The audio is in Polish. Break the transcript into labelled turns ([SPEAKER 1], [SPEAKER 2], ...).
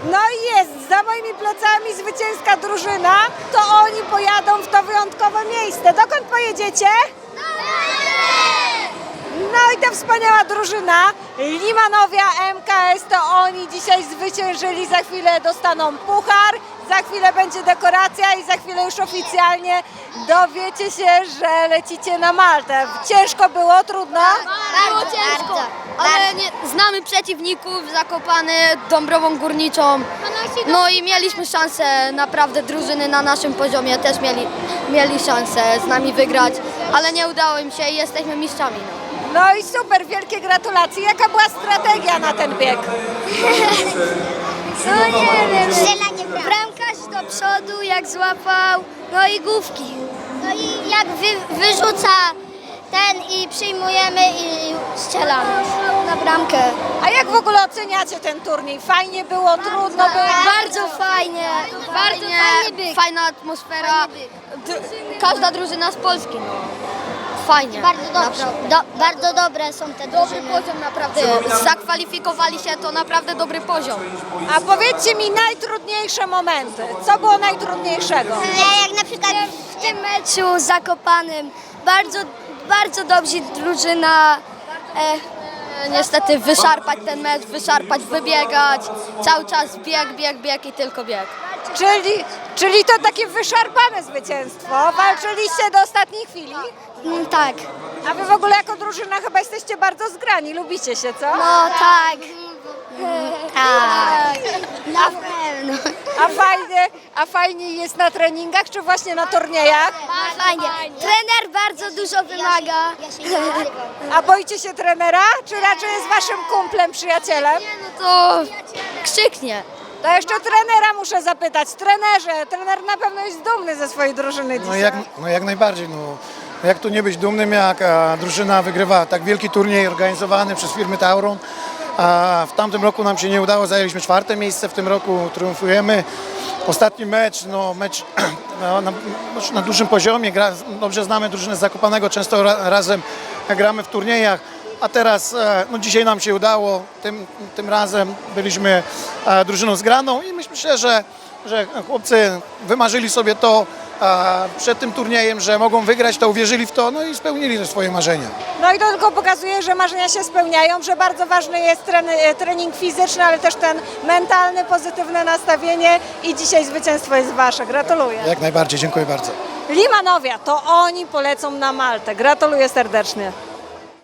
[SPEAKER 1] No i jest, za moimi plecami zwycięska drużyna, to oni pojadą w to wyjątkowe miejsce. Dokąd pojedziecie? No i ta wspaniała drużyna, Limanowia MKS, to oni dzisiaj zwyciężyli, za chwilę dostaną puchar, za chwilę będzie dekoracja i za chwilę już oficjalnie dowiecie się, że lecicie na Maltę. Ciężko było, trudno?
[SPEAKER 2] Było ciężko, ale znamy przeciwników, Zakopane, Dąbrową Górniczą, no i mieliśmy szansę, naprawdę drużyny na naszym poziomie też mieli szansę z nami wygrać, ale nie udało im się i jesteśmy mistrzami.
[SPEAKER 1] No i super, wielkie gratulacje. Jaka była strategia na ten bieg?
[SPEAKER 2] No nie wiem, bramkarz do przodu jak złapał, no i główki.
[SPEAKER 3] No i jak wyrzuca ten i przyjmujemy i strzelamy na bramkę.
[SPEAKER 1] A jak w ogóle oceniacie ten turniej? Fajnie było, trudno było?
[SPEAKER 2] Bardzo fajnie, fajna atmosfera, każda drużyna z Polski. No. Fajnie.
[SPEAKER 3] Bardzo dobrze. Bardzo dobre są te
[SPEAKER 2] Dobry
[SPEAKER 3] drużyny.
[SPEAKER 2] poziom naprawdę. Zakwalifikowali się, to naprawdę dobry poziom.
[SPEAKER 1] A powiedzcie mi najtrudniejsze momenty. Co było najtrudniejszego?
[SPEAKER 3] Jak na przykład
[SPEAKER 2] W tym meczu z Zakopanem bardzo dobrze drużyna. Niestety wyszarpać ten mecz, wybiegać, cały czas bieg i tylko bieg.
[SPEAKER 1] Czyli to takie wyszarpane zwycięstwo. Walczyliście do ostatniej chwili.
[SPEAKER 2] Tak.
[SPEAKER 1] A wy w ogóle jako drużyna chyba jesteście bardzo zgrani. Lubicie się, co?
[SPEAKER 2] No tak.
[SPEAKER 3] na pewno.
[SPEAKER 1] A fajnie jest na treningach, czy właśnie na turniejach?
[SPEAKER 2] Fajnie. Trener bardzo dużo wymaga.
[SPEAKER 3] Ja się nie nazywam.
[SPEAKER 1] A boicie się trenera, czy raczej jest waszym kumplem, przyjacielem?
[SPEAKER 2] No to krzyknie.
[SPEAKER 1] To jeszcze trenera muszę zapytać. Trenerze, trener na pewno jest dumny ze swojej drużyny dzisiaj.
[SPEAKER 4] Jak najbardziej. No, jak tu nie być dumnym, jak drużyna wygrywa tak wielki turniej organizowany przez firmy Tauron. A w tamtym roku nam się nie udało, zajęliśmy 4. miejsce, w tym roku triumfujemy. Ostatni mecz na dużym poziomie, dobrze znamy drużynę z Zakopanego, często razem gramy w turniejach. A teraz, dzisiaj nam się udało, tym razem byliśmy drużyną zgraną i myślę, że chłopcy wymarzyli sobie to przed tym turniejem, że mogą wygrać, to uwierzyli w to, no i spełnili te swoje marzenia.
[SPEAKER 1] No i to tylko pokazuje, że marzenia się spełniają, że bardzo ważny jest trening fizyczny, ale też ten mentalny, pozytywne nastawienie i dzisiaj zwycięstwo jest wasze. Gratuluję.
[SPEAKER 4] Jak najbardziej, dziękuję bardzo.
[SPEAKER 1] Limanowia, to oni polecą na Maltę. Gratuluję serdecznie.